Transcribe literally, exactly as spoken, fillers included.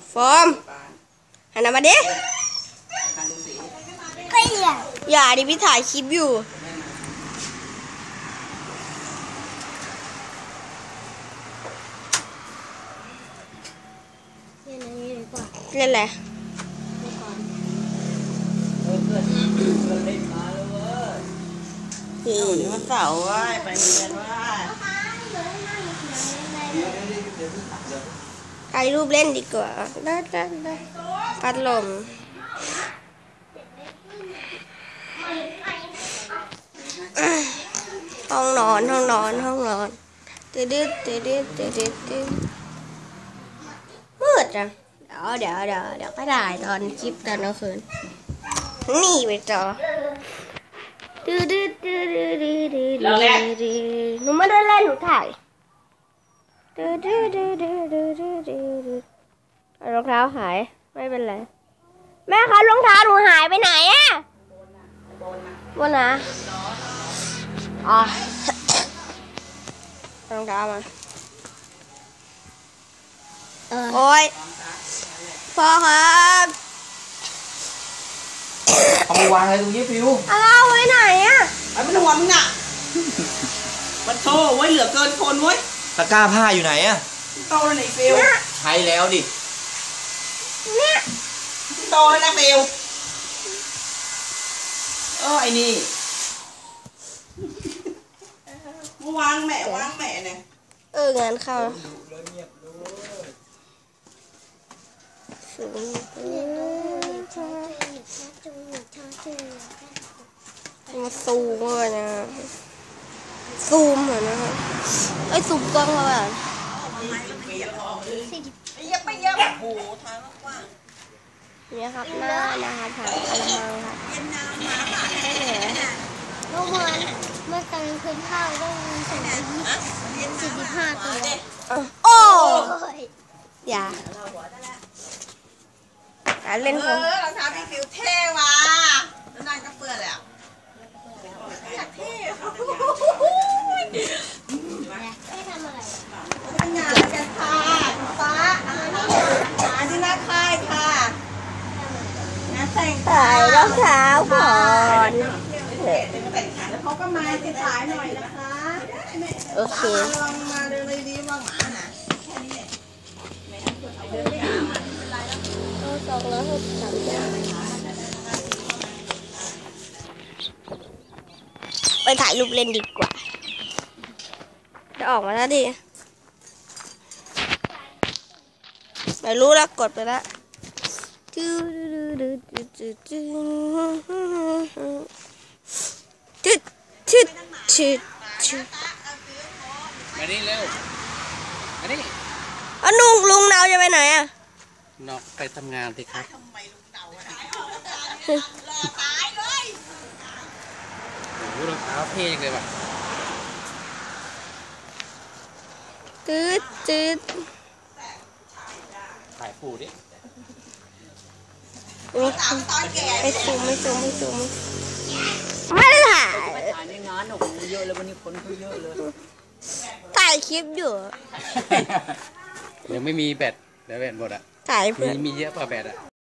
ฟอร์มหันมาดิอย่าดิพี่ถ่ายคลิปอยู่เล่นอะไรนี่วันเสาร์ว่าไปเรียนว่าถ่ายรูปเล่นดีกว่าได้ได้ได้พัดลมห้องนอนห้องนอนห้องนอนตืดตืดตืดตืดตืดมืดจังเดี๋ยวเดี๋ยวเดี๋ยวเดี๋ยวก็ได้ตอนคลิปตอนกลางคืนนี่ไปจอตืดตืดตืดตืดตืดตืดหนูไม่ได้เล่นหนูถ่ายตืดตืดตืดตืดตืดตืดรองเท้าหายไม่เป็นไรแม่คะรองเท้าหนูหายไปไหนอะบนนะอ๋อรองเท้ามาโอ้ยพ่อครับเอามาวางอะไรตรงนี้ฟิวเอาไว้ไหนอะไอ้มันหัวมึงอ่ะมันโตไว้เหลือเกินคนไว้ตะกร้าผ้าอยู่ไหนอะโตแล้วไหนฟิวใช้แล้วดิเนี่ยโตแล้วนะฟิวเออไอ้นี่วางแม่วางแม่เนี่ยเอองานเข้ามาซูมเลยนะซูมเหรอนะไอ้ซูมกล้องมาแบบเนี่ยครับหน้านะครับถ่ายอะไรมาครับเมื่อวานเมื่อตอนคืนข้าวได้สองสี่สิบห้าตัวโอ้อย่าการเล่นของเออเราทำให้ฟิวเท่ว่ะแล้วนั่งก็เปื้อนเลยอ่ะอยากเท่ไม่ทำอะไรทำงานกันค่ะฟ้าหาที่หน้าค่ายค่ะงานแต่งถ่ายรองเท้าก่อนแล้วเขาก็มาจะถ่ายหน่อยนะคะโอเคลองมาเดินเลยดีว่าหมาน่ะแค่นี้เดินไม่หามันไม่เป็นไรแล้วสองร้อยหกสิบสามไปถ่ายรูปเล่นดีกว่าจะออกมาแล้วดิไม่รู้แล้วกดไปแล้วชึดชึดชึดชึดมานี่เร็วมานี่อ่ะลุงลุงเนาจะไปไหนอ่ะนอกไปทำงานสิครับตายเลยโอ้โหรองเท้าเท่จังเลยว่ะตืดตืดถ่ายปูดิไม่ซูมไม่ซูมไม่ซูมไม่ได้ถ่ายถ่ายในงานหนูเยอะเลยวันนี้คนเขาเยอะเลยถ่ายคลิปอยู่ยังไม่มีแบตเดี๋ยวแบตหมดอ่ะถ่ายเพื่อนมีมีเยอะป่ะแบตอ่ะ